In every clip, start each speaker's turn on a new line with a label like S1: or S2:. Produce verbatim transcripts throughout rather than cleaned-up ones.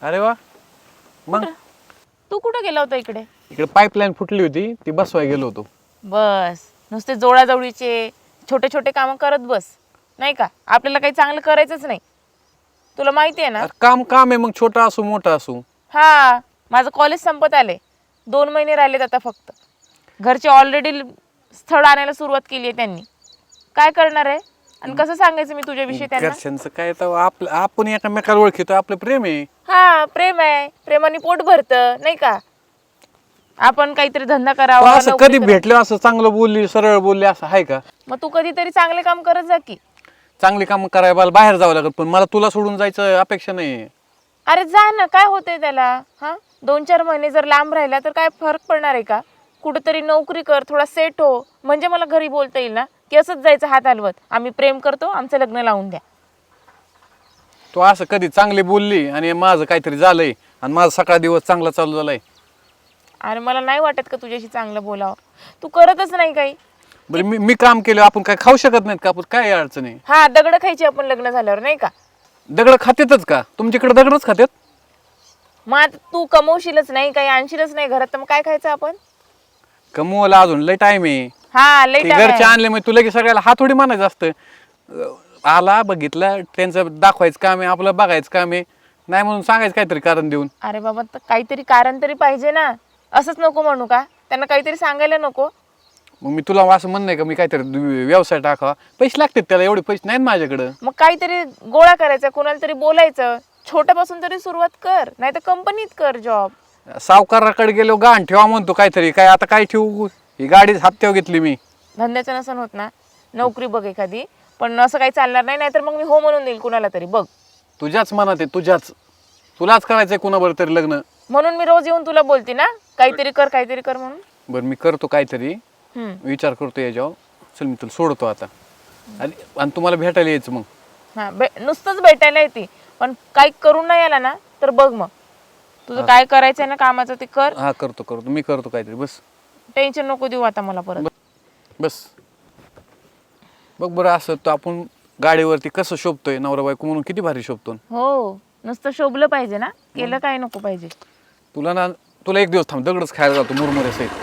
S1: अरे वा. मग
S2: तू कुठं गेला होता इकडे?
S1: इकडे पाईपलाईन फुटली होती ती बसवाय गेलो होतो.
S2: बस नुसते जोडाजवळीचे छोटे छोटे कामं करत बस, नाही का? आपल्याला काही चांगलं करायचंच नाही, तुला माहिती आहे ना.
S1: अरे काम काम आहे, मग छोटा असू मोठा असू.
S2: हा, माझं कॉलेज संपत आले, दोन महिने राहिलेत आता फक्त. घरचे ऑलरेडी स्थळ आणायला सुरुवात केली आहे त्यांनी. काय करणार आहे आणि कसं सांगायचं मी तुझ्याविषयी त्यांना?
S1: घरच्यांचं काय तर आपलं आपण एकामेकाला ओळखीतो, आपलं प्रेम आहे.
S2: हा, प्रेम आहे, प्रेमाने पोट भरतं, नाही का? आपण काहीतरी धंदा करावा.
S1: असं कधी भेटलं असं चांगलं बोलली सरळ बोलली असं आहे का?
S2: मग तू कधीतरी चांगले काम करत जा की.
S1: चांगली काम करायला मला बाहेर जावं लागत, पण मला तुला सोडून जायचं अपेक्षा नाही.
S2: अरे जा ना, काय होतंय त्याला? हा, दोन चार महिने जर लांब राहिला तर काय फरक पडणार आहे का? कुठेतरी नोकरी कर, थोडा सेट हो, म्हणजे मला घरी बोलता येईल ना की असंच जायचं हात हलवत, आम्ही प्रेम करतो, आमचं लग्न लावून द्या.
S1: तू असं कधी चांगली बोलली आणि माझं काहीतरी झालंय आणि माझा सकाळ दिवस चांगला चालू झालाय.
S2: अरे मला नाही वाटत का तुझ्याशी चांगलं बोलावं, तू करतच नाही काही.
S1: बरं मी मी काम केलं, आपण काय खाऊ शकत नाहीत का? आपण काय अडचण आहे?
S2: हा, दगड खायची आपण लग्न झाल्यावर, नाही का?
S1: दगड खातेतच का? तुमच्याकडे दगडच खात्यात?
S2: मग आता तू कमवशीलच नाही, काही आणशीलच नाही घरात, तर मग काय खायचं आपण?
S1: कमवायला अजून लय टाइम आहे.
S2: हा, लई
S1: ते
S2: time आहे.
S1: घरचे आणले मग तुला की सगळ्याला हा थोडी म्हणायचं असतं. अं, आला बघितलं त्यांचं दाखवायचं काम आहे, आपलं बघायचं काम आहे, नाही म्हणून सांगायचं काहीतरी कारण देऊन.
S2: अरे बाबा, तर काहीतरी कारण तरी पाहिजे ना, असंच नको म्हणू का? त्यांना काहीतरी सांगायला नको?
S1: मग मी तुला असं म्हणणं आहे का मी काहीतरी व्यवसाय टाकावा? पैसे लागतात त्याला, एवढे पैसे नाहीत माझ्याकडं.
S2: मग काहीतरी गोळा करायचा, कोणाला तरी बोलायचं, छोट्यापासून तरी सुरुवात कर, नाही तर कंपनीत कर जॉब.
S1: सावकाराकडे गेलो गाण ठेवा म्हणतो काहीतरी, काय आता काय ठेवू? ही गाडी हप्त्यावर घेतली मी.
S2: धंद्याचं नसन होत ना, नोकरी बघ एखादी, पण असं काही चालणार नाही, नाहीतर मग मी हो म्हणून देईल कुणाला तरी. बघ,
S1: तुझ्याच मनात आहे, तुझ्याच. तुलाच करायचंय कुणाबरोबर तरी लग्न.
S2: म्हणून मी रोज येऊन तुला बोलते ना, काहीतरी कर काहीतरी कर म्हणून.
S1: बरं मी करतो काहीतरी,
S2: हम्म.
S1: विचार करतो याच्यावर. चल मी तुला सोडतो आता, आणि आणि तुम्हाला भेटायला यायचं मग.
S2: हा, बे नुसतंच भेटायला येते, पण काही करून नाही आला ना तर बघ मग, तुझं काय करायचंय ना कामाचं ते कर.
S1: हा करतो करतो मी करतो काहीतरी. बस
S2: टेन्शन नको देऊ आता मला परत.
S1: बस बघ बरं, असं तर आपण गाडीवरती कसं शोभतोय नवरा बायको म्हणून, किती भारी शोभतो.
S2: हो, नुसतं शोभलं पाहिजे ना, केलं काय नको पाहिजे.
S1: तुला ना तुला एक दिवस थांब, दगडच खायला जातो मुरमुरे सहित.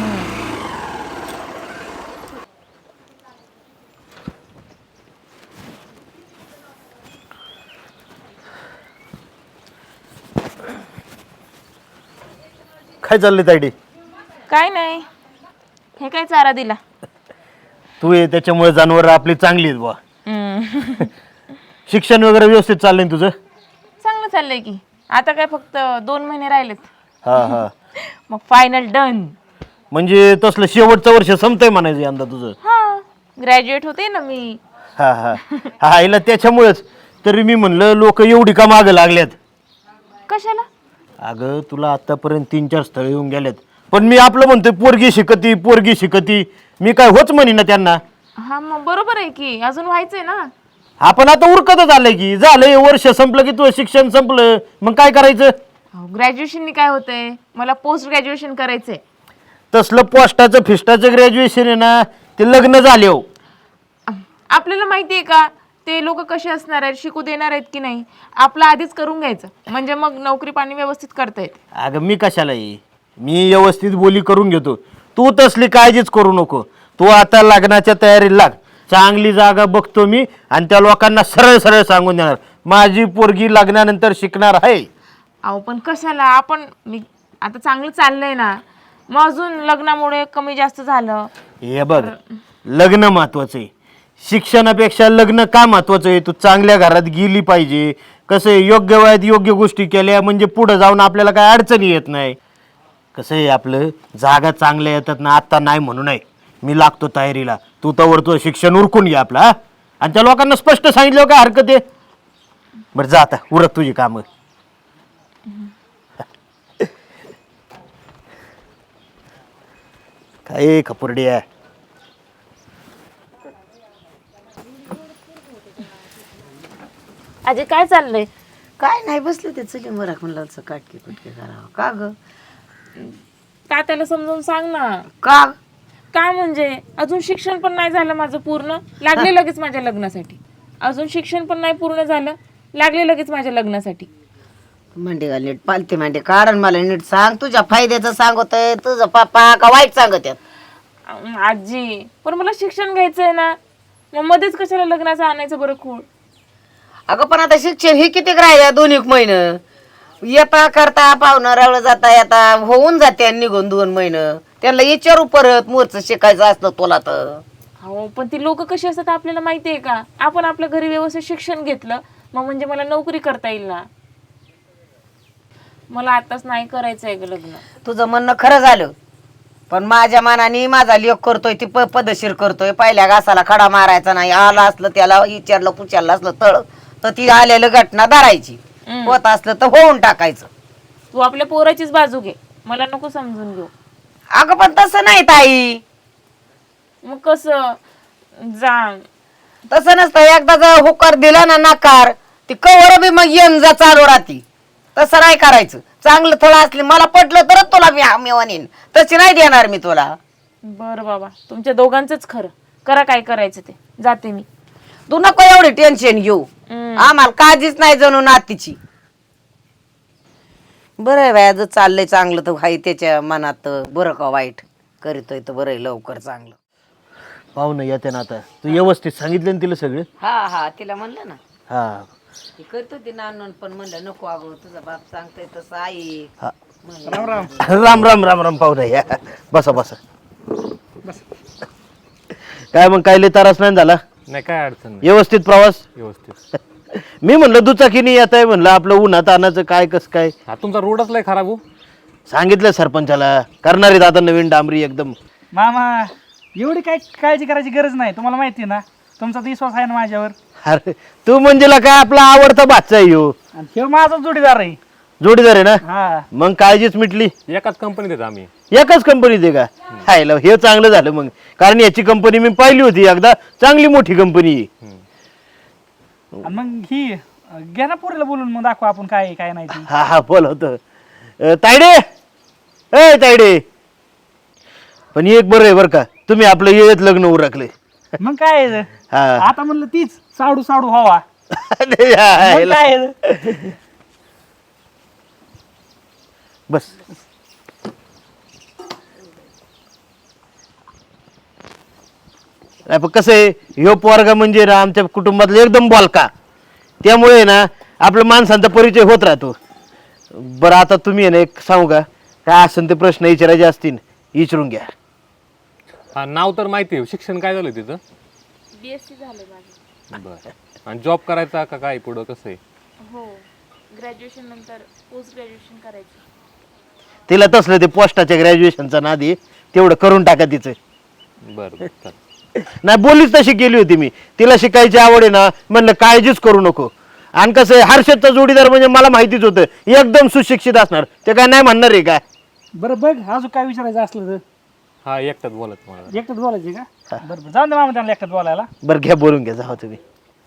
S3: काय चाललंय तायडी?
S2: काय नाही, हे काय चारा दिला?
S3: तू ये त्याच्यामुळे जनावर आपली चांगली आहेत बुवा.
S2: हम्म.
S3: शिक्षण वगैरे व्यवस्थित चाललंय ना तुझं?
S2: चांगलं चाललंय की, आता काय फक्त दोन महिने राहिलेत,
S3: हा हा.
S2: मग फायनल डन.
S3: म्हणजे तसलं शेवटचं वर्ष संपतंय म्हणायचं यंदा तुझं?
S2: हा, ग्रॅज्युएट होते ना मी.
S3: हा हा हा, हिला त्याच्यामुळेच तरी मी म्हणलं लोक एवढी का मागं लागल्यात.
S2: कशाला?
S3: अगं तुला आतापर्यंत तीन चार स्थळ येऊन गेल्यात, पण मी आपलं म्हणतोय पोरगी शिकती पोरगी शिकती, मी काय होच म्हणी ना त्यांना.
S2: हा, मग बरोबर आहे की, अजून व्हायचंय ना.
S3: आपण आता उरकतच आलंय की, झालंय वर्ष संपलं की तुझं शिक्षण संपलं, मग काय करायचं?
S2: ग्रॅज्युएशननी काय होतंय, मला पोस्ट ग्रॅज्युएशन करायचंय.
S3: तसलं पोस्टाचं फिस्टाचं ग्रॅज्युएशन आहे ना, ते लग्न झाले हो.
S2: आपल्याला माहिती आहे का ते लोक कसे असणार आहेत, शिकू देणार आहेत की नाही? आपलं आधीच करून घ्यायचं, म्हणजे मग नोकरी पाणी व्यवस्थित करता येते.
S3: अगं मी कशाला ये, मी व्यवस्थित बोली करून घेतो, तू तसली काळजीच करू नको. तू आता लग्नाच्या तयारीला लाग, चांगली जागा बघतो मी आणि त्या लोकांना सरळ सरळ सांगून देणार माझी पोरगी लग्नानंतर शिकणार आहे.
S2: अहो पण कशाला, आपण मी आता चांगलं चाललंय ना, मग अजून लग्नामुळे कमी जास्त झालं.
S3: हे बघ, लग्न महत्वाचं आहे, शिक्षणापेक्षा लग्न का महत्वाचं आहे? तू चांगल्या घरात गेली पाहिजे. कसं आहे, योग्य वयात योग्य गोष्टी केल्या म्हणजे पुढे जाऊन आपल्याला काय अडचणी येत नाही. कसं आहे, आपलं जागा चांगल्या येतात ना, आत्ता नाही म्हणू नये. मी लागतो तयारीला, तू तवर तुझं शिक्षण उरकून घे आपला, आणि त्या लोकांना स्पष्ट सांगितलं काय हरकत आहे. बरं जा आता, उरक तुझी कामं. काय खपुर्डी आहे.
S2: अजय काय चाललंय?
S4: काय नाही, बसले ते चली मरा म्हणलं काटके कुटके करावं. का ग?
S2: का त्याला समजावून सांग ना.
S4: का?
S2: का म्हणजे अजून शिक्षण पण नाही झालं माझं पूर्ण, लागले लगेच माझ्या लग्नासाठी. अजून शिक्षण पण नाही पूर्ण झालं, लागले लगेच माझ्या लग्नासाठी.
S4: मांडी घाल नीट, पालती मांडी काढ आणि मला नीट सांग. तुझ्या फायद्याचं सांगतोय तुझं पप्पा का वाईट सांगत आहेत?
S2: अं, आजी पण मला शिक्षण घ्यायचंय ना, मग मध्येच कशाला लग्नाचं आणायचं बरं खूळ.
S4: अगं पण आता शिक्षण हे किती राहिल्या दोन एक महिनं, येता करता पाहुणं रवळ जाता येता होऊन जाते निघून दोन महिनं. त्यांना विचारू परत मोरचं शिकायचं असलं तुला तर.
S2: हो पण ती लोक कशी असतात आपल्याला माहिती आहे का? आपण आपल्या घरी व्यवस्थित शिक्षण घेतलं मग म्हणजे मला नोकरी करता येईल ना. मला आताच नाही करायचं आहे ग लग्न.
S4: तुझं म्हणणं खरं झालं, पण माझ्या मनाने माझा लेख करतोय ती प- पद्धतशीर करतोय. पहिल्या घासाला खडा मारायचा नाही, आला असलं त्याला विचारलं पुचारलं असलं तळ तर ती आलेलं घटना धरायची, होत असलं तर होऊन टाकायचं.
S2: तू आपल्या पोराचीच बाजू घे, मला नको समजून घेऊ.
S4: अगं पण तसं नाही ताई,
S2: मग कसं जा.
S4: तसं नसतं. एकदा जर होकार दिला ना नकार, ती कवर बी मग येऊन जा चालू राहती. तसं नाही करायचं. चांगलं थोडं असले मला पटलं तरच तुला मी मी म्हणेन, तशी नाही देणार मी तुला.
S2: बरं बाबा, तुमच्या दोघांचंच खरं. करा काय करायचं ते, जाते मी.
S4: तू नको एवढी टेन्शन घेऊ, आम्हाला काळजीच नाही जणू नातीची. बरं आहे बाया, जर चाललंय चांगलं तर हाय त्याच्या मनात बरं का वाईट करीतोय तर बरं आहे लवकर चांगलं.
S3: पाहुणं येते ना आता, तू व्यवस्थित सांगितलं ना तिला सगळं?
S4: हा हा तिला म्हणलं ना,
S3: हा
S4: ती करतो ती नानून, पण म्हणलं नको अगो तुझा बाप सांगतोय तसं आई.
S3: हा. राम राम राम राम पाहुणं या, बसा बसा. काय मग काय लय त्रास नाही झाला?
S1: नाही काय अडचण नाही,
S3: व्यवस्थित प्रवास?
S1: व्यवस्थित.
S3: मी म्हणलं दुचाकीने येत आहे, म्हणलं आपलं उन्हात आणायचं काय कसं काय.
S1: हा तुमचा रोडच लय खराब हो.
S3: सांगितलं सरपंचाला, करणार आहेत आता नवीन डांबरी एकदम.
S5: मामा एवढी काय काळजी करायची गरज नाही, तुम्हाला माहिती आहे ना तुमचा तर विश्वास आहे ना माझ्यावर.
S3: अरे तू म्हणजे काय आपला आवडता बादशाह आहे ह्यो.
S5: आणि हे माझा जोडीदार आहे.
S3: जोडीदार आहे ना,
S5: हा
S3: मग काळजीच मिटली.
S1: एकाच कंपनीत आहेत आम्ही.
S3: एकाच कंपनीत आहे का? हायला हे चांगलं झालं मग, कारण याची कंपनी मी पाहिली होती एकदा, चांगली मोठी कंपनी.
S5: आणि मग ही अं, घ्या ना पोरीला बोलून मग दाखवा आपण काय आहे, काय नाही ती.
S3: हा हा बोलवतो. अं, तायडे ए तायडे, पण एक बरं आहे बरं का, तुम्ही आपलं येत लग्न उरकले.
S5: मग काय आहे?
S3: हा
S5: आता म्हणलं तीच साडू साडू व्हावा.
S3: अरे
S5: मग
S3: हायला.
S5: काय आहे?
S3: बस नाही पण कसं आहे, ह्यो पोरगा म्हणजे ना आमच्या कुटुंबातला एकदम बोलका, त्यामुळे ना आपल्या माणसांचा परिचय होत राहतो. बरं आता तुम्ही आहे ना एक सांगू का, काय असेल ते प्रश्न विचारायचे असतील विचारून घ्या.
S1: हा नाव तर माहिती आहे, शिक्षण काय झालं तिथं?
S2: बीएससी झालं माझं.
S1: बरं. आणि जॉब करायचा का काय पुढं कसं आहे?
S2: हो, ग्रॅज्युएशन नंतर पोस्ट ग्रॅज्युएशन करायचं.
S3: तिला तसलं ते पोस्टाच्या ग्रॅज्युएशनचा नादी तेवढं करून टाका तिचं.
S1: बरं बरं चालेल.
S3: नाही बोलीच तशी केली होती मी, तिला शिकायची आवड आहे ना, म्हणलं काळजीच करू नको. आणि कसं आहे, हर्षदचा जोडीदार म्हणजे मला माहितीच होतं एकदम सुशिक्षित असणार, ते काय नाही म्हणणार आहे का?
S5: बरं बघ अजून काय विचारायचं असलं तर.
S1: हा एकटाच बोलत मला.
S5: एकटंच बोलायचे का? बरं बरं जाऊन दे मामा त्यांना एकटंच बोलायला.
S3: बरं घ्या बोलून घ्या, जावा तुम्ही.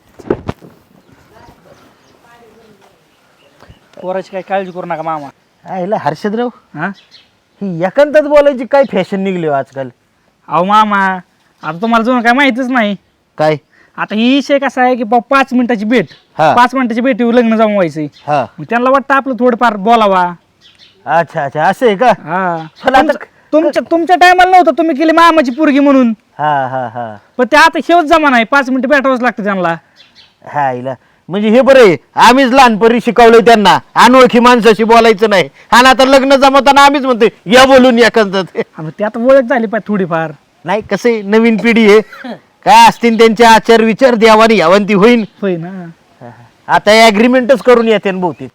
S5: पोराची काही काळजी करू नका मामा.
S3: आईला हर्षदराव,
S5: हा
S3: ही एकांतात बोलायची काय फॅशन निघली हो आजकाल?
S5: अहो मामा आता तुम्हाला जुनं काय माहितीच नाही.
S3: काय?
S5: आता ही विषय कसा आहे की बा पाच मिनिटाची भेट,
S3: हा.
S5: पाच मिनिटाची भेटीवर लग्न जमवायचंय.
S3: हा
S5: मग त्यांना वाटतं आपलं थोडंफार बोलावा.
S3: अच्छा अच्छा असं आहे का?
S5: हा
S3: पण आता-
S5: तुमच्या- तुमच्या तुमच्या टायमाला नव्हतं, तुम्ही केली मामाची पोरगी म्हणून.
S3: हा हा हा
S5: पण ते आता शेवट जमाना आहे, पाच मिनिटं भेटावंच लागतं त्यांना.
S3: हा आईला म्हणजे हे बरं आहे, आम्हीच लहानपणी शिकवलंय त्यांना अनोळखी माणसाशी बोलायचं नाही, आणि आता लग्न जमवताना आम्हीच म्हणतोय या बोलून एकांतात.
S5: आणि ते आता ओळख झाली पाहिजे थोडीफार.
S3: नाही कसं आहे, नवीन पिढी आहे, काय असतील त्यांचे आचार विचार द्यावानी यावंती होईन.
S5: होय ना.
S3: आता ऍग्रीमेंटच करून येते ना बहुतेक.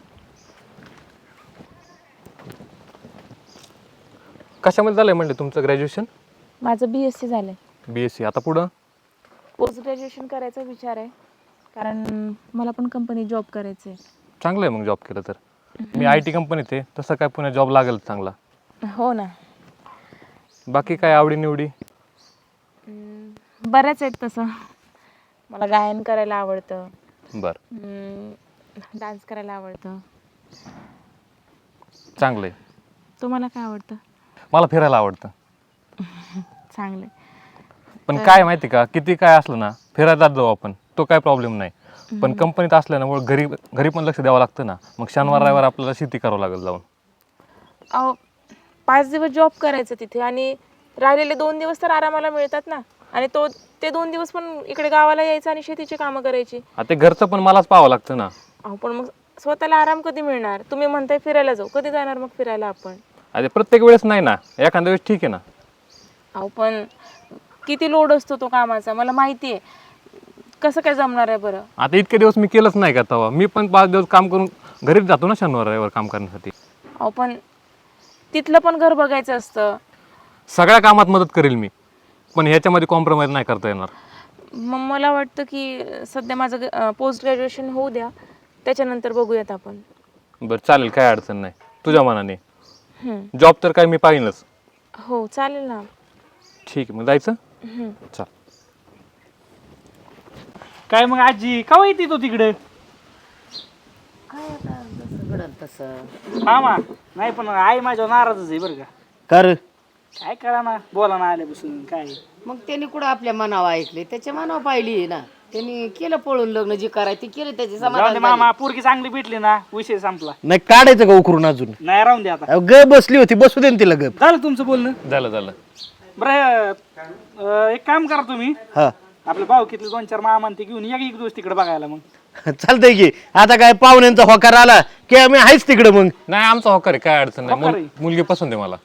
S1: कशामध्ये झालंय म्हणले तुमचं ग्रॅज्युएशन?
S2: माझं बीएससी झालंय.
S1: बीएससी. आता पुढं?
S2: पोस्ट ग्रॅज्युएशन करायचा विचार आहे, कारण मला पण कंपनी जॉब करायचं आहे.
S1: चांगलं आहे मग जॉब केलं तर. मी आय टी कंपनीत आहे, तसं काय पुन्हा जॉब लागेल चांगला.
S2: हो ना.
S1: बाकी काय आवडी निवडी?
S2: बऱ्याच आहेत तसं. मला गायन करायला आवडतं,
S1: बरं
S2: डान्स करायला आवडतं.
S1: चांगलं आहे.
S2: तुम्हाला काय आवडतं?
S1: मला फिरायला आवडतं.
S2: चांगलं.
S1: पण काय माहिती का, किती काय असलं ना फिरायला जाऊ आपण, तो काय प्रॉब्लेम नाही.
S6: पण कंपनीत असल्यामुळे घरी घरी पण लक्ष द्यावं लागतं ना. मग शनिवार रविवार आपल्याला शेती करावं लागेल जाऊन.
S2: अहो पाच दिवस जॉब करायचं तिथे आणि राहिलेले दोन दिवस तर आरामाला मिळतात ना. आणि तो ते दोन दिवस पण इकडे गावाला यायचं आणि शेतीची कामं करायची.
S6: आता ते घरचं पण मलाच पाहावं लागतं ना.
S2: अहो पण मग स्वतःला आराम कधी मिळणार? तुम्ही म्हणताय फिरायला जाऊ, कधी जाणार मग फिरायला आपण?
S6: अरे प्रत्येक वेळेस नाही ना, एखाद्या वेळेस ठीक आहे ना.
S2: अहो पण किती लोड असतो तो कामाचा मला माहिती आहे. कसं काय जमणार आहे बरं?
S6: आता इतके दिवस मी केलंच नाही का तेव्हा. मी पण पाच दिवस काम करून घरीच जातो ना शनिवार रविवार काम करण्यासाठी.
S2: अहो पण तिथलं पण घर बघायचं असतं.
S6: सगळ्या कामात मदत करेल मी, पण ह्याच्यामध्ये कॉम्प्रोमाइज नाही करता येणार.
S2: मग मला वाटतं की सध्या माझं पोस्ट ग्रॅज्युएशन होऊ द्या, त्याच्यानंतर बघूयात आपण.
S6: बरं चालेल, काय अडचण नाही तुझ्या मनाने.
S2: हम्म.
S6: जॉब तर काय मी पाहिनच.
S2: हो चालेल ना.
S6: ठीक आहे, मग जायचं.
S2: हम्म.
S6: चल.
S5: काय मग आजी का येते तो तिकडे?
S4: काय आता जसं घडल तसं.
S5: मामा नाही पण आई माझ्यावर नाराजच आहे बरं का.
S3: कर
S5: काय करा ना, बोला ना आल्यापासून काय.
S4: मग त्यांनी कुठं आपल्या मनावर ऐकले, त्याच्या मनावर पाहिली आहे ना. त्यांनी केलं पळून लग्न, जे करायचं ते केलं, त्याचे
S5: जाऊन दे
S4: समाधान
S5: मामा, पोरगी चांगली भेटली ना, विषय संपला.
S3: नाही काढायचं का उकरून अजून?
S5: नाही राहून दे आता.
S3: अहो, ग बसली होती, बसू दे ना तिला गप.
S5: झालं तुमचं बोलणं?
S6: झालं झालं.
S5: बरं अं, एक काम करा तुम्ही,
S3: हा
S5: आपल्या भाऊकीतले दोन चार मामा ते घेऊन या की एक दिवस तिकडे बघायला. मग
S3: चालतंय की. आता काय पाहुण्यांचा होकार आला की आम्ही आहेच तिकडे मग.
S6: नाही आमचा होकार आहे, काय अडचण नाही.
S5: होकार
S6: मुल-
S5: आहे.
S6: मुलगी पसंत आहे मला.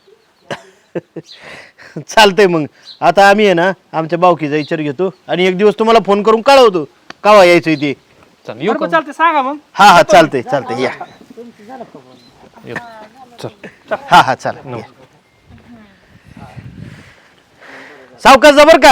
S3: चालतंय मग. आता आम्ही आहे ना आमच्या बावकीचा विचार घेतो आणि एक दिवस तुम्हाला फोन करून कळवतो कावा यायचं ते.
S6: चल येऊ
S5: बरं,
S6: का?
S5: बरं, चालतंय सांगा मग.
S3: हा हा चालतंय चालतंय या.
S6: येऊ. चल.
S3: हा हा चालेल. सावकाश जा बरं का.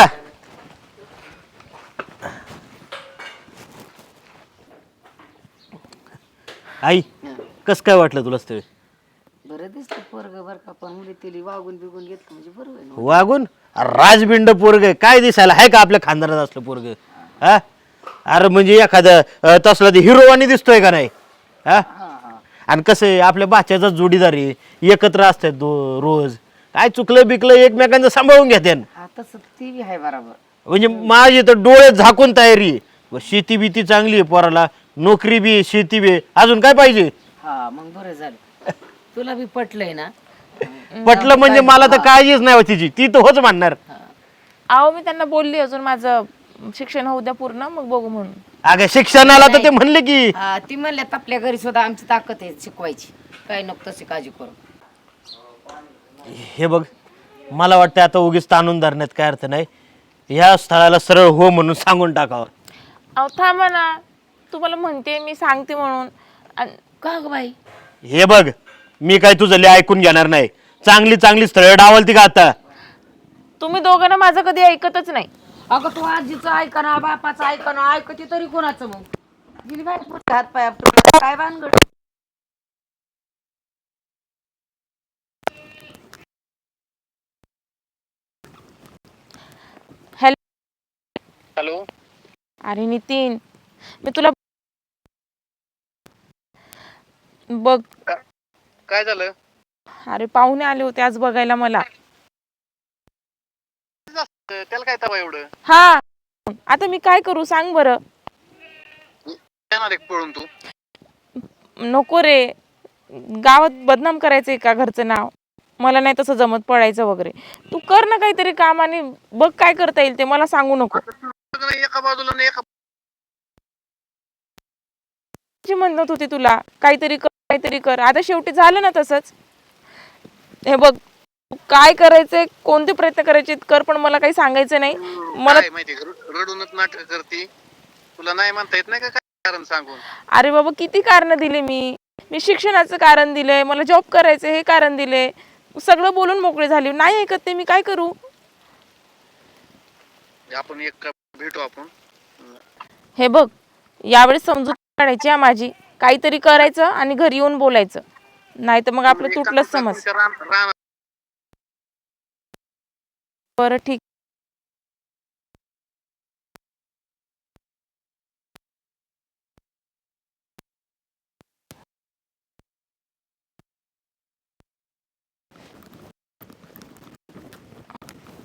S3: आई कस काय वाटलं तुला स्थळ?
S4: बरं दिसतं पोरग बरं का, पण मुली तिली वागून बिगून घेतलं म्हणजे बरोबर आहे ना.
S3: वागून राजबिंड पोरग काय दिसायला आहे का आपल्या खानदारात असलं पोरग? हा अरे म्हणजे एखादं अं, तसला ते हिरोवानी दिसतोय का नाही? हा आणि कसं आहे आपल्या बाच्याचा जोडीदार आहे, एकत्र असतात दो रोज. काय चुकलं बिकलं एकमेकांचं सांभाळून घेते.
S4: हा तसं ती बी आहे बरोबर.
S3: म्हणजे माझी तर डोळे झाकून तयारी आहे. व शेती बीती चांगली आहे पोराला, नोकरी बी आहे, शेती बी आहे. अजून काय पाहिजे?
S4: हा मग बरं झालं, तुला बी पटलंय ना.
S3: पटलं म्हणजे मला तर काळजीच नाही होती तिची, ती तर होच म्हणणार.
S2: अहो मी त्यांना बोलली अजून माझं शिक्षण होऊ द्या पूर्ण, मग बघू म्हणून.
S3: अगं शिक्षणाला तर ते म्हणले की
S4: हा ती म्हणल्यात आपल्या घरी सुद्धा आमची ताकद आहे शिकवायची, काय नको तशी काळजी करू.
S3: हे बघ मला वाटतं आता उगीच ताणून धरण्यात काय अर्थ नाही. ह्या स्थळाला सरळ हो म्हणून सांगून टाकावं.
S2: अहो थांबा ना, तुम्हाला म्हणते मी सांगते म्हणून. अन
S4: का ग बाई?
S3: हे बघ मी काय तुझं लय ऐकून घेणार नाही. चांगली चांगली स्थळं डावलती का आता?
S2: तुम्ही दोघांना माझं कधी ऐकतच नाही.
S4: अगं तू आजीचं ऐका ना, बापाचं ऐका ना, ऐकते तरी कोणाचं मग? गेली बाई पुढे हात पाय आपटून, काय भानगड?
S2: हॅलो.
S1: हॅलो.
S2: अरे नितीन, मी तुला बघ.
S1: काय झालं?
S2: अरे पाहुणे आले होते आज बघायला मला.
S1: त्याला काय तवा एवढं?
S2: हा आता मी काय करू सांग बरं?
S1: येणार एक पळून तू?
S2: नको रे, गावात बदनाम करायचंय का घरचं नाव? मला नाही तसं जमत पडायचं वगैरे. तू कर ना काहीतरी काम आणि बघ काय करता येईल ते, मला सांगू नको.
S1: एका बाजूला नाही एका
S2: जी म्हणत होती तुला काहीतरी कर काहीतरी कर, आता शेवटी झालं ना तसंच. हे बघ काय करायचंय, कोणते प्रयत्न करायचे कर, पण मला काही सांगायचं नाही. मला
S1: माहिती रडूनच नाटक करती. तुला नाही म्हणता येत नाही का काय कारण सांगून?
S2: अरे बाबा किती कारण दिले मी. मी शिक्षणाचं कारण दिलंय, मला जॉब करायचं हे कारण दिले, सगळं बोलून मोकळे झाले. नाही ऐकत ते, मी काय करू?
S1: आपण एक भेटू आपण.
S2: हे बघ यावेळेस समजूत काढायची आहे माझी. काहीतरी करायचं आणि घरी येऊन बोलायचं, नाही तर मग आपलं तुटलंच समज. बरं ठीक.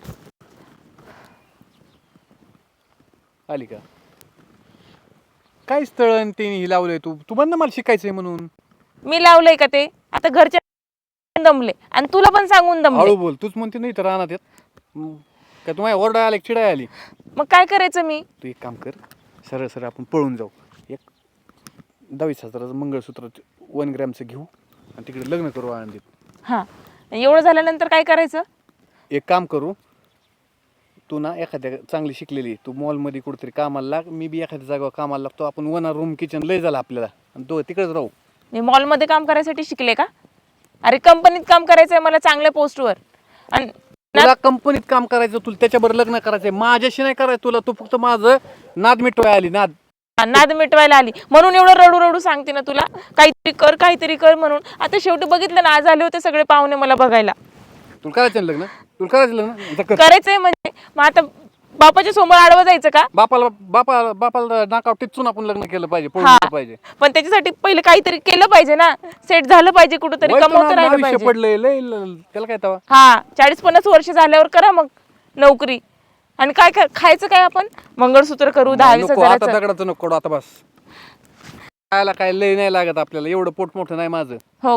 S1: आली का? काय स्थळ आणि ते हे लावलंय तू तू बंद मला शिकायचंय म्हणून.
S2: मी लावलंय का ते? आता घरच्या दमले आणि तुला पण सांगून दमले.
S1: हळू बोल, तूच म्हणते नाही तर राहणार काय तुम्हाला ओरडा आली चिडाय आली.
S2: मग काय करायचं मी?
S1: तू एक काम कर, सरळ सरळ आपण पळून जाऊ. एक दहावीस हजाराचं मंगळसूत्र वन ग्रॅमचं घेऊ आणि तिकडे लग्न करू आनंदीत.
S2: हा, एवढं झाल्यानंतर काय करायचं?
S1: एक काम करू, तू ना एखाद्या चांगली शिकलेली, तू मॉलमध्ये कुठेतरी कामाला लाग, मी बी एखाद्या जागेवर कामाला लागतो. आपण वन रूम किचन लय झालं आपल्याला आणि तो तिकडेच राहू.
S2: मी मॉलमध्ये काम करायसाठी शिकले का? अरे कंपनीत काम करायचंय मला, चांगल्या पोस्टवर. आणि
S1: तुला कंपनीत काम करायचं, तुला त्याच्याबरोबर लग्न करायचंय, माझ्याशी नाही करायचं तुला. तू फक्त माझं नाद मिटवाय आली, नाद.
S2: नाद मिटवायला आली म्हणून एवढं रडू रडू सांगते ना तुला, काहीतरी कर काहीतरी कर म्हणून. आता शेवटी बघितलं ना, आज आले होते सगळे पाहुणे मला बघायला.
S1: तुला करायचं ना लग्न? तुला करायचं लग्न? जा कर.
S2: करायचंय म्हणजे मग आता बापाच्या समोर आडवं जायचं का?
S1: बापाला बापा बापाला नाकावर टिचून आपण लग्न केलं पाहिजे, पळून
S2: हा.
S1: गेलं पाहिजे.
S2: पण त्याच्यासाठी पहिले काहीतरी केलं पाहिजे ना, सेट झालं पाहिजे, कुठंतरी
S1: वय तर
S2: कमवतं
S1: ना-
S2: राहिलं
S1: आयुष्य
S2: पाहिजे.
S1: पडलंय लय ल- त्याला काय तवा.
S2: हा, चाळीस पन्नास वर्ष झाल्यावर करा मग नोकरी. आणि काय काय खायचं काय आपण? मंगळसूत्र करू दहा वीस
S1: नको आता
S2: हजाराचं.
S1: दगडाचं नको करू आता बस. खायला काय लय नाही लागत आपल्याला, एवढं पोट मोठं नाही माझं.
S2: हो,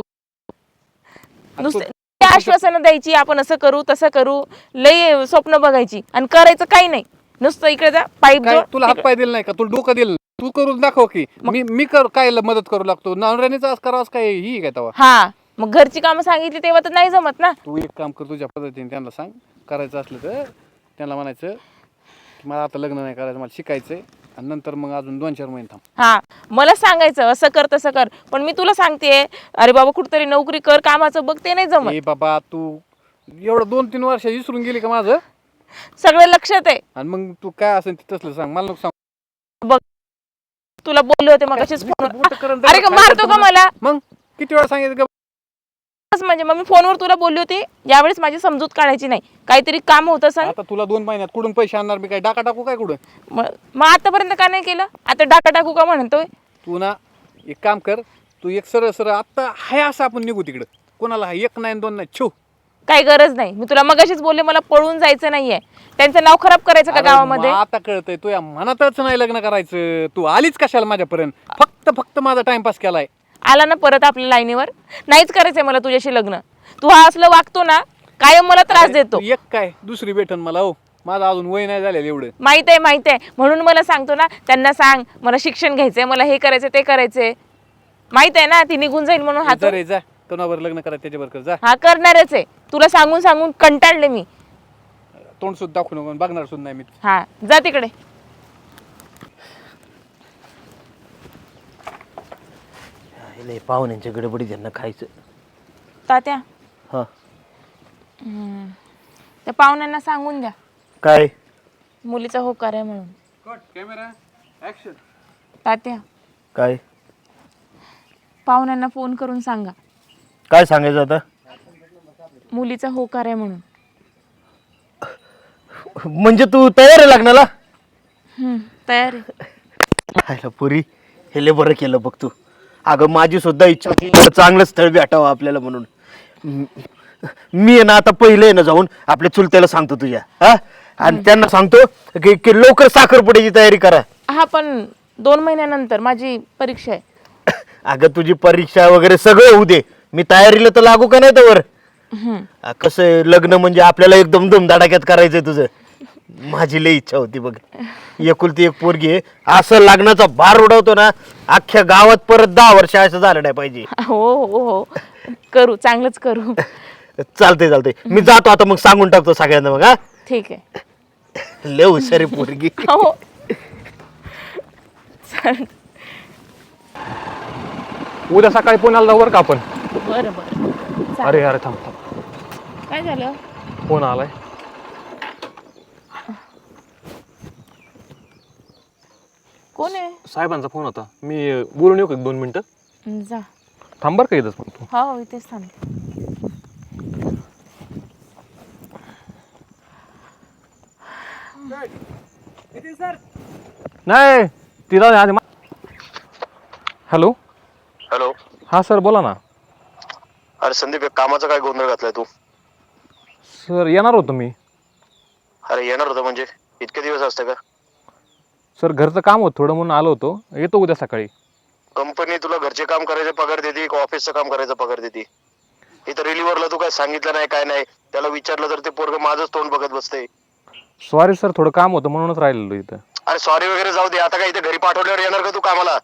S2: नुसते ते आश्वासनं द्यायची, आपण असं करू तसं करू, लय स्वप्न बघायची आणि करायचं काही नाही. नुसतं इकडे जा, पाईप
S1: काय
S2: जोड,
S1: तुला हात
S2: तिकडे-
S1: पाय दिलं नाही का? तुला डोकं दिलं नाही? तू करून दाखव की मी मी कर काय मदत करू लागतो. नवऱ्यानेच आज करावंच काय ही काय तवा.
S2: हा, मग घरची कामं सांगितली तेव्हा तर नाही जमत ना.
S1: तू एक काम कर, तुझ्या पद्धतीने त्यांना सांग. करायचं असलं तर त्यांना म्हणायचं की मला आता लग्न नाही करायचं, मला शिकायचंय आणि नंतर मग अजून दोन चार महिने थांब.
S2: हा, मला सांगायचं असं कर तसं कर, पण मी तुला सांगते अरे बाबा कुठतरी नोकरी कर, कामाचं बघ, ते नाही जमत.
S1: ए बाबा, तू एवढं दोन तीन वर्ष विसरून गेली का माझं?
S2: सगळं लक्षात आहे.
S1: आणि मग तू काय असेल ते तसलं सांग, मला नको सांग.
S2: बघ, तुला बोलले होते मग असेच फोन.
S1: बोटं करून
S2: अरे का मारतो का मला?
S1: मग किती वेळा सांगितलं का?
S2: म्हणजे मग मी फोनवर तुला बोलली होती, यावेळेस माझी समजूत काढायची नाही. काहीतरी काम होतं सांग.
S1: आता तुला दोन महिन्यात कुठून पैसे आणणार मी? काय डाका टाकू काय कुठं?
S2: मग मग आतापर्यंत का नाही केलं? आता डाका टाकू का म्हणतोय?
S1: तू ना एक काम कर, तू एक सरळ सरळ आत्ता हाय असं आपण निघू तिकडं. कोणाला हाय एक नाही दोन नाही छो.
S2: काही गरज नाही. मी तुला मगाशीच बोलले मला पळून जायचं नाहीये. त्यांचं नाव खराब करायचं का
S1: अरे
S2: गावामध्ये?
S1: मग आता कळतंय तुझ्या मनातच नाही लग्न करायचं. तू आलीच कशाला माझ्यापर्यंत? फक्त फक्त माझा टाइमपास केलाय.
S2: आला ना परत आपल्या लाईनीवर. नाहीच करायचंय मला तुझ्याशी लग्न. तू हा असलं वागतो ना, कायम मला त्रास देतो.
S1: तू एक काय दुसरी भेटन मला. हो, माझं अजून वय नाही झालेलं एवढं.
S2: माहित आहे माहित आहे, म्हणून मला सांगतो ना. त्यांना सांग मला शिक्षण घ्यायचंय, मला हे करायचं ते करायचंय. माहित आहे ना ती निघून जाईल म्हणून
S1: जा
S2: हात.
S1: रे जा, कोणावर लग्न करा त्याच्यावर कर जा.
S2: हा, करणारच आहे. तुला सांगून सांगून कंटाळले मी.
S1: तोंड सुद्धा दाखवू नको, बघणार सुद्धा नाही मी.
S2: हा, जा तिकडे.
S3: लय पाहुण्यांच्या गडबडीत त्यांना खायचं.
S2: तात्या,
S3: हा
S2: त्या पाहुण्यांना सांगून द्या
S3: काय?
S2: मुलीचा होकार आहे म्हणून.
S1: Camera action.
S2: तात्या,
S3: काय
S2: पाहुण्यांना फोन करून सांगा
S3: काय सांगायचं आता?
S2: मुलीचा होकार आहे म्हणून.
S3: म्हणजे तू तयार आहे लग्नाला?
S2: हम्म, तयार आहे.
S3: खायला पुरी हे लय बरं केलं बघ तू. अगं माझी सुद्धा इच्छा होती चांगलं स्थळ भेटावं आपल्याला म्हणून. मी आहे ना आता पहिले ना जाऊन आपल्या चुलत्याला सांगतो तुझ्या, हा, आणि त्यांना सांगतो की की लवकर साखरपुड्याची तयारी करा.
S2: हा, पण दोन महिन्यानंतर माझी परीक्षा आहे.
S3: अगं तुझी परीक्षा वगैरे सगळं होऊ दे, मी तयारीला तर लागू का नाही तर.
S2: हम्म.
S3: कसं आहे, लग्न म्हणजे आपल्याला एकदम धुमधडाक्यात करायचंय तुझं. माझी लई इच्छा होती बघ. एकुलती एक पोरगी आहे, असं लग्नाचा भार उडवतो ना, अख्ख्या गावात परत दहा वर्ष असं झालं नाही पाहिजे.
S2: हो हो हो, करू, चांगलंच करू.
S3: चालतंय चालतंय, मी जातो आता, मग सांगून टाकतो सगळ्यांना मग. हा,
S2: ठीक आहे.
S3: लय हुशार आहे पोरगी.
S2: हो, चालेल.
S6: उद्या सकाळी पुण्याला जाऊ बरं का आपण.
S2: बरं बरं, चालेल.
S6: अरे अरे थांब थांब,
S2: काय झालं?
S6: फोन आलाय.
S2: कोण आहे?
S6: साहेबांचा फोन होता. मी अं, बोलून येऊ का एक दोन मिनिटं?
S2: जा.
S6: थांब बरं का इथंच पण तू.
S2: हो, इथेच थांब.
S6: नाही तिला आधी. Hello
S7: hello.
S6: हां सर बोला ना.
S7: अरे संदीप, एक कामाचा काय गोंधळ घातलाय तू?
S6: सर येणार होतो मी.
S7: अरे येणार होतं म्हणजे इतके दिवस असते का?
S6: सर घरचं काम होतं थोडं म्हणून आलो होतो, येतो उद्या सकाळी.
S7: कंपनी तुला घरचे काम करायचे पगार देते का ऑफिसचं काम करायचं पगार देते? इथं रिलीव्हरला तू काय सांगितलं नाही काय नाही, त्याला विचारलं तर ते पोरग माझंच तोंड बघत बसते.
S6: सॉरी सर, थोडं काम होतं म्हणूनच राहिलेलो इथं.
S7: अरे सॉरी वगैरे जाऊ दे, आता काय इथे घरी पाठवल्यावर येणार का तू कामाला?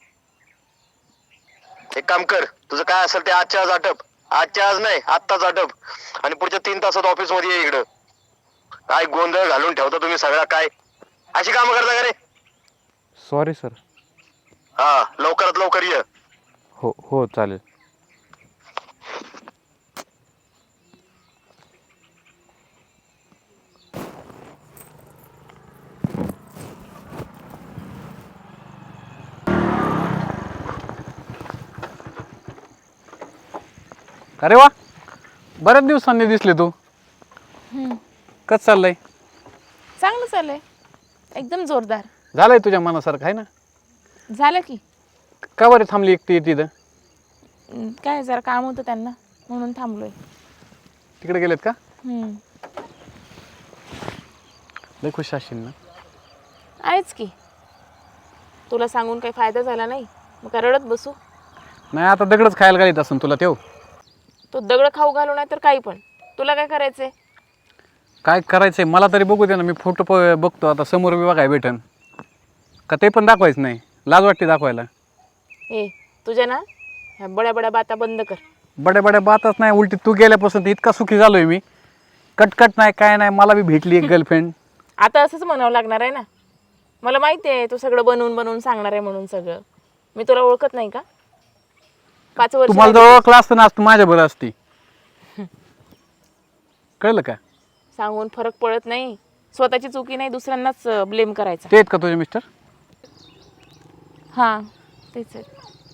S7: एक काम कर, तुझं काय असेल ते आजच्या आज आटप. आजच्या आज नाही, आत्ताच आटप. आणि पुढच्या तीन तासात ऑफिस मध्ये ये इकडं. काय गोंधळ घालून ठेवता तुम्ही सगळा, काय अशी कामं करता का रे?
S6: Sorry sir.
S7: हा लवकरात लवकर ये.
S6: हो हो चालेल.
S1: अरे वा, बऱ्याच दिवसांनी दिसले तू. कसं चाललंय?
S2: चांगलं चाललंय, एकदम जोरदार.
S1: झालंय तुझ्या मनासारखं आहे ना?
S2: झालं की.
S1: का बरं थांबली एकटी तिथं?
S2: हम्म, काय जरा काम होतं त्यांना म्हणून थांबलोय.
S1: तिकडे गेलेत का?
S2: हम्म,
S1: लय खुश असशील ना?
S2: आहेच की. तुला सांगून काही फायदा झाला नाही, मग काय रडत बसू?
S1: नाही आता दगडच खायला घालीत असून तुला तेव.
S2: तो दगड खाऊ घालू नाही तर काही पण. तुला काय करायचंय?
S1: काय करायचंय मला तरी बघू दे ना, मी फोटो प बघतो आता समोर बी बघाय भेटन का, ते पण दाखवायचं नाही? लाज वाटते दाखवायला.
S2: ए तुझ्या ना ह्या बड्या बड्या बाता बंद कर.
S1: बड्या बड्या बातच नाही, उलटी तू गेल्यापासून तर इतका सुखी झालोय मी. कटकट नाही काय नाही, मला बी भेटली एक गर्लफ्रेंड.
S2: आता असंच म्हणावं लागणार आहे ना? मला माहिती आहे तू सगळं बनवून बनवून सांगणार आहे म्हणून. सगळं मी तुला ओळखत नाही का? पाच वर्ष
S1: तुम्हाला जर ओळखलं असतं ना, आज तू माझ्या बरं असती. कळलं का?
S2: सांगून फरक पडत नाही. स्वतःची चुकी नाही दुसऱ्यांनाच ब्लेम करायचा.
S1: ते आहेत का तुझे मिस्टर?
S2: हां तेच आहे.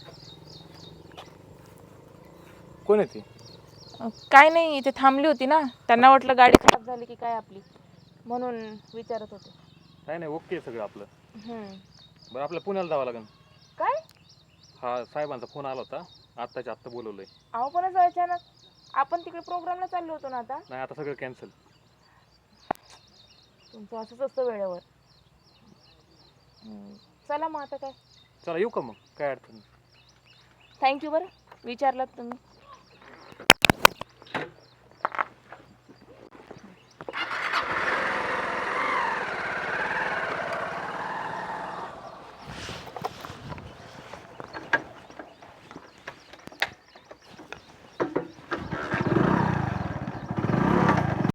S6: कोण आहे ती?
S2: अं, काय नाही, इथे थांबली होती ना, त्यांना वाटलं गाडी खराब झाली की काय आपली, म्हणून विचारत होते.
S6: नाही नाही, ओके सगळं आपलं.
S2: हम्म.
S6: बरं आपल्या पुण्याला जावं लागेल.
S2: काय?
S6: हा साहेबांचा फोन आला होता, आत्ताच्या आत्ता बोलवलंय.
S2: अहो पण असं अचानक, आपण तिकडे प्रोग्रामला चाललो होतो ना. आता
S6: नाही आता सगळं कॅन्सल.
S2: तुमचं असंच असतं वेळेवर. हम्म, चला मग आता काय.
S6: चला येऊ का मग, काय अडचण नाही.
S2: थँक्यू बरं विचारलात तुम्ही.